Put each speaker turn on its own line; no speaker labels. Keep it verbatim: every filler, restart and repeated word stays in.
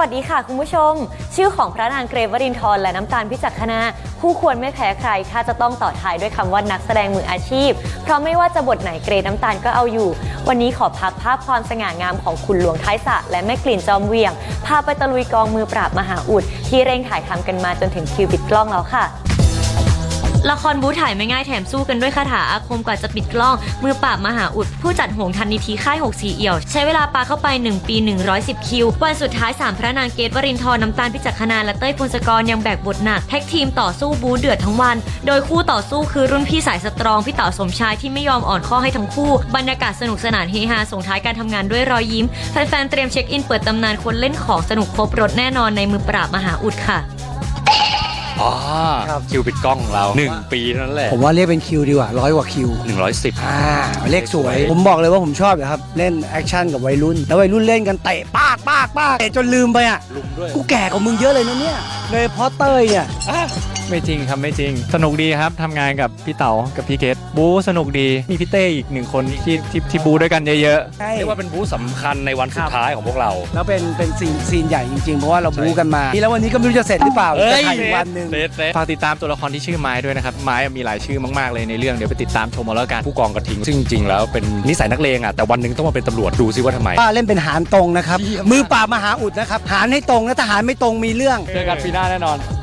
วัสดีค่ะคุณผู้ชมชื่อของพระนางเกรฟวรินทร์และน้ำตาลพิจักขณาคู่ควรไม่แพ้ใครถ้าจะต้องต่อท้ายด้วยคำว่านักแสดงมืออาชีพเพราะไม่ว่าจะบทไหนเกรน้ำตาลก็เอาอยู่วันนี้ขอพักภาพความสง่างามของคุณหลวงท้ายสระและแม่กลิ่นจอมเวียงพาไปตะลุยกองมือปราบมหาอุดที่เร่งถ่ายทำกันมาจนถึงคิวปิดกล้องแล้วค่ะละครบู๊ถ่ายไม่ง่ายแถมสู้กันด้วยคาถาอาคมกว่าจะปิดกล้องมือปราบมหาอุดผู้จัดหงทันนิธิค่ายหกสีเอี่ยวใช้เวลาปาเข้าไปหนึ่งปีหนึ่งร้อยสิบคิววันสุดท้ายสามพระนางเกตวรินทร์น้ำตาลพิจักขณาและเต้ยพงศกรยังแบกบทหนักแท็กทีมต่อสู้บู๊เดือดทั้งวันโดยคู่ต่อสู้คือรุ่นพี่สายสตรองพี่เต๋าสมชายที่ไม่ยอมอ่อนข้อให้ทั้งคู่บรรยากาศสนุกสนานเฮฮาส่งท้ายการทำงานด้วยรอยยิ้มแฟนๆเตรียมเช็คอินเปิดตำนานคนเล่นของสนุกครบรถแน่นอนในมือปราบมหาอุดค่ะ
อ๋อคิวปิดกล้องของเราหนึ่งปีนั่นแหละ
ผมว่าเรียกเป็นคิวดีกว่าร้อยกว่าคิว
หนึ่งร้อยสิบ
อ่าเลขสวยผมบอกเลยว่าผมชอบนะครับเล่นแอคชั่นกับวัยรุ่นแล้ววัยรุ่นเล่นกันเตะปากปากปากเตะจนลืมไปอ่ะ
ลุมด้วย
กูแก่กว่ามึงเยอะเลยนะเนี่ยเลยเพราะเต้ยเนี่ย
ไม่จริงครับไม่จริงสนุกดีครับทำงานกับพี่เต๋ากับพี่เกตบู๊สนุกดีมีพี่เต้อีกหนึ่งคนที่ที่ที่บู๊ด้วยกันเยอะ
ๆเรียกว่าเป็นบู๊สำคัญในวันสุดท้ายของพวกเรา
แล้วเป็นเป็นซีนซีนใหญ่จริงๆเพราะว่าเราบู๊กันมาแล้ววันนี้ก็ไม่รู้จะเสร็จหรือเปล่าจะถ่ายอีกวันนึง
ฝากติดตามตัวละครที่ชื่อไม้ด้วยนะครับไม้มีหลายชื่อมากๆเลยในเรื่องเดี๋ยวไปติดตามชมเอาแล้วกัน
ผู้กองกระทิงซึ่งจริงๆแล้วเป็นนิสัยนักเลงอ่ะแต่วันนึงต้องมาเป็นตำรวจดูซิว่าทำไม
ป้าเล่นเป็นหารตรงนะครับมือปราบมหาอุดนะครับหารให้ตรงนะถ้าหารไม่ตรงมีเรื่อง
เจอกันปีหน้าแน่นอน